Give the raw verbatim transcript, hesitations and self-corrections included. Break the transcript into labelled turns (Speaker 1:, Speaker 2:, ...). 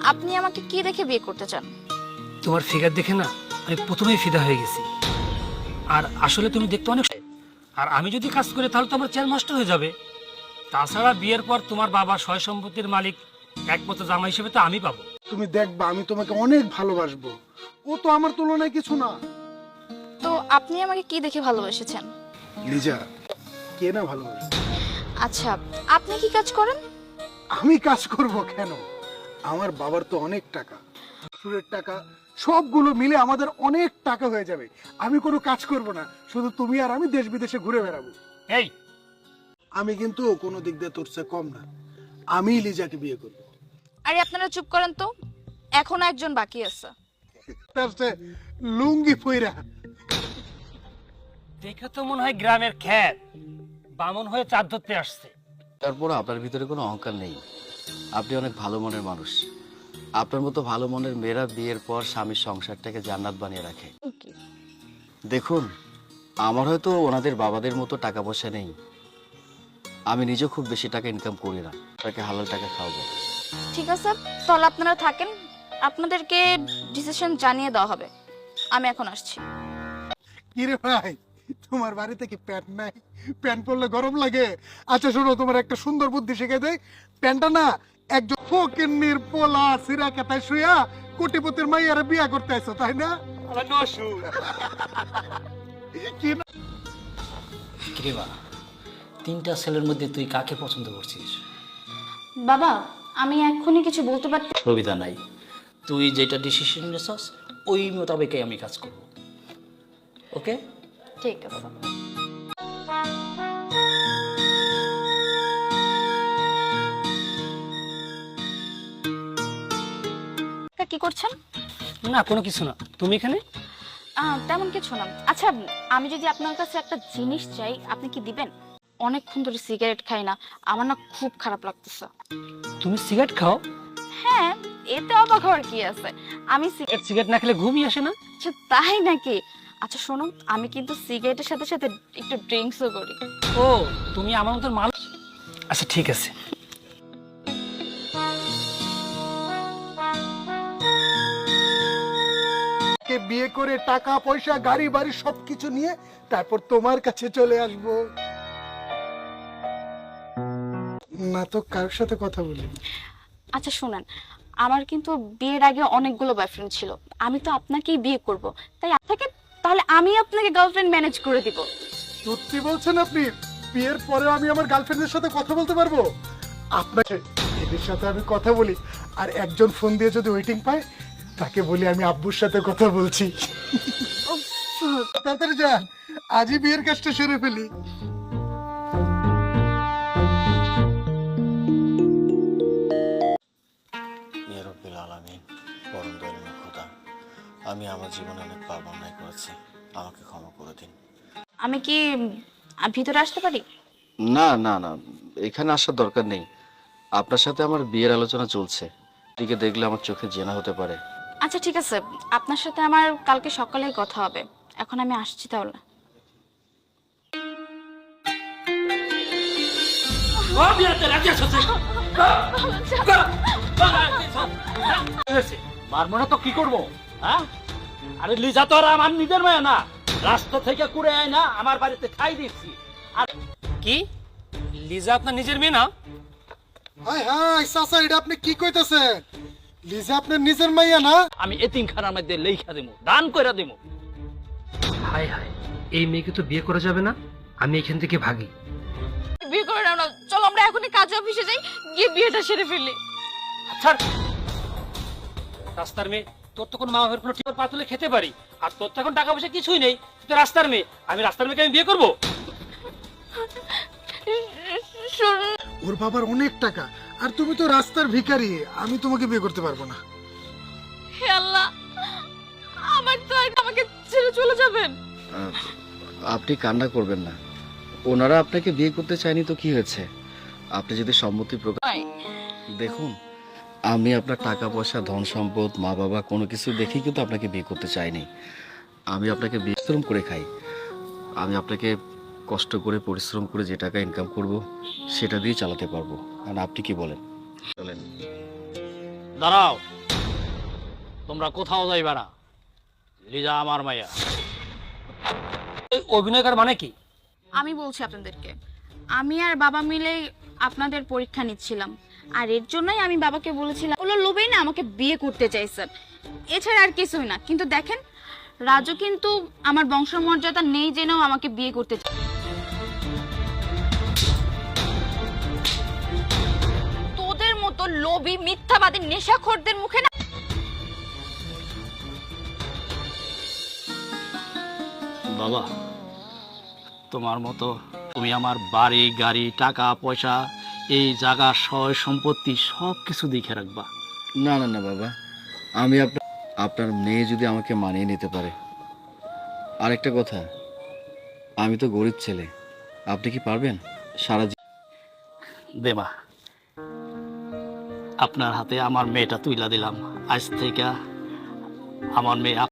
Speaker 1: আপনি আমাকে কি দেখে বিয়ে করতে চান?
Speaker 2: তোমার ফিগার দেখে না আমি প্রথমেই ফিদা হয়ে গেছি। আর আসলে তুমি দেখতে অনেক, আর আমি যদি কাজ করি তাহলে তো আমার চেয়ার নষ্ট হয়ে যাবে। তাছাড়া বিয়ের পর তোমার বাবা সয় সম্পত্তির মালিক একমাত্র জামাই হিসেবে তো আমি পাবো।
Speaker 3: তুমি দেখবা আমি তোমাকে অনেক ভালোবাসবো, ও তো আমার তুলনায় কিছু না।
Speaker 1: তো আপনি আমাকে কি দেখে ভালোবেসেছেন?
Speaker 3: লিজা, কে না ভালোবাসে?
Speaker 1: আচ্ছা, আপনি কি কাজ করেন?
Speaker 3: আমি কাজ করব কেন? আমার বাবার তো অনেক টাকা, শ্বশুরের টাকা, সবগুলো মিলে আমাদের অনেক টাকা হয়ে যাবে। আমি কোনো কাজ করব না, শুধু তুমি আর আমি দেশ বিদেশে ঘুরে বেড়াবো।
Speaker 2: এই
Speaker 3: আমি কিন্তু কোনো দিক দিয়ে তোর চেয়ে কম না, আমি লিজাকে বিয়ে করব।
Speaker 1: আরে আপনারা চুপ করেন তো, এখনো একজন বাকি আছে।
Speaker 3: তার চেয়ে লুঙ্গি পইরা
Speaker 2: দেখে তো মনে হয় গ্রামের খ্যাত বামন হয়ে চাঁদ ধরতে আসছে।
Speaker 4: তারপর আপনার ভিতরে কোনো অহংকার নেই, আপনি অনেক ভালো মনের মানুষ। আপনার মতো ভালো মনের মেয়েরা বিয়ের পর স্বামীর সংসারটাকে জান্নাত বানিয়ে রাখে। দেখুন, আমার হয়তো ওনাদের বাবাদের মতো টাকা পয়সা নেই, আমি নিজে খুব বেশি টাকা ইনকাম করি না, তাকে হালাল টাকা খাওয়াবো।
Speaker 1: ঠিক আছে, তাহলে আপনারা থাকেন, আপনাদেরকে ডিসিশন জানিয়ে দেওয়া হবে। আমি এখন আসছি।
Speaker 3: কিরে ভাই, তোমার বাড়িতে কি প্যান্ট নাই? প্যান্ট পরলে গরম লাগে? আচ্ছা শোনো, তোমার একটা সুন্দর বুদ্ধি শিখে দেয়। প্যান্টটা না একজন ফকিন্নির পোলা সিরা কাটায় শুয়া কোটিপতির মাইয়ারে বিয়া করতে আইছো, তাই না? কি না?
Speaker 5: কিরেবা, তিনটা ছেলের মধ্যে তুই কাকে পছন্দ করছিস?
Speaker 1: বাবা, আমি এখনই কিছু বলতে পারতে।
Speaker 5: সুবিধা নাই, তুই যেটা ডিসিশন নিছস ওই মোতাবেকই আমি কাজ করব। ওকে?
Speaker 1: ঠিক আছে। তা কি করছেন?
Speaker 2: না কোনো কিছু না, তুমি এখানে?
Speaker 1: আহ, তেমন কিছু না। আচ্ছা, আমি যদি আপনার কাছে একটা জিনিস চাই, আপনি কি দিবেন? অনেকক্ষণ ধরে সিগারেট খাই না, আমার না খুব খারাপ লাগতেছে।
Speaker 2: তুমি সিগারেট খাও?
Speaker 1: হ্যাঁ, এতে অবাক হওয়ার কি আছে? আমি সিগারেট
Speaker 2: সিগারেট না খেলে ঘুমই আসে না?
Speaker 1: আচ্ছা, তাই নাকি? আচ্ছা শোনো, আমি কিন্তু সিগারেটের সাথে সাথে একটু ড্রিঙ্কসও করি।
Speaker 2: ও, তুমি আমার মতো মানুষ। আচ্ছা ঠিক আছে।
Speaker 3: কে বিয়ে করে টাকা পয়সা গাড়ি বাড়ি সবকিছু নিয়ে তারপর তোমার কাছে চলে আসব। না তো কারোর সাথে কথা বলি।
Speaker 1: আচ্ছা শুনেন, আমার কিন্তু বিয়ের আগে অনেকগুলো বয়ফ্রেন্ড ছিল, আমি তো আপনাকেই বিয়ে করব, তাই আপনাকে, তাহলে আমি আপনাকে গার্লফ্রেন্ড ম্যানেজ করে দিব।
Speaker 3: সত্যি বলছেন আপনি? বিয়ের পরে আমি আমার গার্লফ্রেন্ডের সাথে কথা বলতে পারবো? আপনাকে এদের সাথে আমি কথা বলি, আর একজন ফোন দিয়ে যদি ওয়েটিং পায় তাকে বলি আমি আব্বুর সাথে কথা বলছি। তাড়াতাড়ি যা, আজই বিয়ের কাজটা সেরে ফেলি।
Speaker 4: ইয়া রাব্বিল আলামিন, পরম দয়ালু খোদা, আমি আমার জীবনে অনেক পাপ অন্যায় করেছি, আমাকে ক্ষমা করে দিন।
Speaker 1: আমি কি আহ, ভিতরে আসতে পারি?
Speaker 4: না না না, এখানে আসার দরকার নেই। আপনার সাথে আমার বিয়ের আলোচনা চলছে, এদিকে দেখলে আমার চোখে জেনা হতে পারে।
Speaker 1: আচ্ছা ঠিক আছে, আপনার সাথে আমার কালকে সকালেই কথা হবে, এখন আমি আসছি তাহলে।
Speaker 5: মারবো না তো কি করবো? হ্যাঁ, আরে লিজা তো আর আমার নিজের মেয়ে না, রাস্তা থেকে কুড়ে আয় না আমার বাড়িতে খাই দিচ্ছি। আর
Speaker 2: কি লিজা আপনার নিজের মেয়ে না?
Speaker 3: হায় হায় চাচা, এটা আপনি কি কইতাছেন? লিজা আপনার নিজের মাইয়া না?
Speaker 5: আমি এতিমখানার মধ্যে লেখা দেবো, দান করে দেবো।
Speaker 2: হায় হায়, এই মেয়েকে তো বিয়ে করা যাবে না, আমি এখান থেকে ভাগি।
Speaker 1: বিয়ে করে নাও না, চলো আমরা এখনই কাজ অফিসে যাই, গিয়ে বিয়েটা সেরে ফেলি।
Speaker 2: আচ্ছা, রাস্তার মেয়ে, তোর তো কোনো মা বাবার কোনো টিপার পাতুলে খেতে পারি, আর তোর তো এখন টাকা পয়সা কিছুই নেই, তুই তো রাস্তার মেয়ে, আমি রাস্তার মেয়েকে আমি বিয়ে করবো?
Speaker 3: ওর বাবার অনেক টাকা, আর তুমি তো রাস্তার ভিখারি, আমি তোমাকে বিয়ে করতে পারবো না।
Speaker 1: হে আল্লাহ, আমার তো আর আমাকে ছেড়ে চলে যাবেন?
Speaker 4: আহ, আপনি কান্না করবেন না, ওনারা আপনাকে বিয়ে করতে চায়নি তো কি হয়েছে, আপনি যদি সম্মতি প্রকাশ। দেখুন, আমি আপনার টাকা পয়সা ধন সম্পদ মা বাবা কোনো কিছু দেখেই কিন্তু আপনাকে বিয়ে করতে চাইনি। আমি আপনাকে পরিশ্রম করে খাই, আমি আপনাকে কষ্ট করে পরিশ্রম করে যে টাকা ইনকাম করব সেটা দিয়ে চালাতে পারবো। আর আপনি কি বলেন? চলেন।
Speaker 5: দাঁড়াও, তোমরা কোথাও যাইবা না। লিজা আমার মাইয়া।
Speaker 2: এই অভিনয় করার মানে কি?
Speaker 1: আমি বলছি আপনাদেরকে, আমি আর বাবা মিলে আপনাদের পরীক্ষা নিচ্ছিলাম, আর এর জন্যই আমি বাবাকে বলেছিলাম, ওগুলো লোভেই না আমাকে বিয়ে করতে চাইছেন, এছাড়া আর কিছুই না। কিন্তু দেখেন, রাজু কিন্তু আমার বংশমর্যাদা নেই জেনেও আমাকে বিয়ে করতে চায়। তোদের মতো লোভী মিথ্যাবাদী নেশাখোরদের মুখে না
Speaker 5: বাবা, তোমার মতো তুমি আমার বাড়ি গাড়ি টাকা পয়সা এই জায়গা সয় সম্পত্তি সব কিছু দেখে রাখবা।
Speaker 4: না না না বাবা, আমি আপনার আপনার মেয়ে যদি আমাকে মানিয়ে নিতে পারে। আরেকটা কথা, আমি তো গরিব ছেলে, আপনি কি পারবেন? সারা জীবন
Speaker 5: দেবা, আপনার হাতে আমার মেয়েটা তুইলা দিলাম। আজ থেকে আমার মেয়ে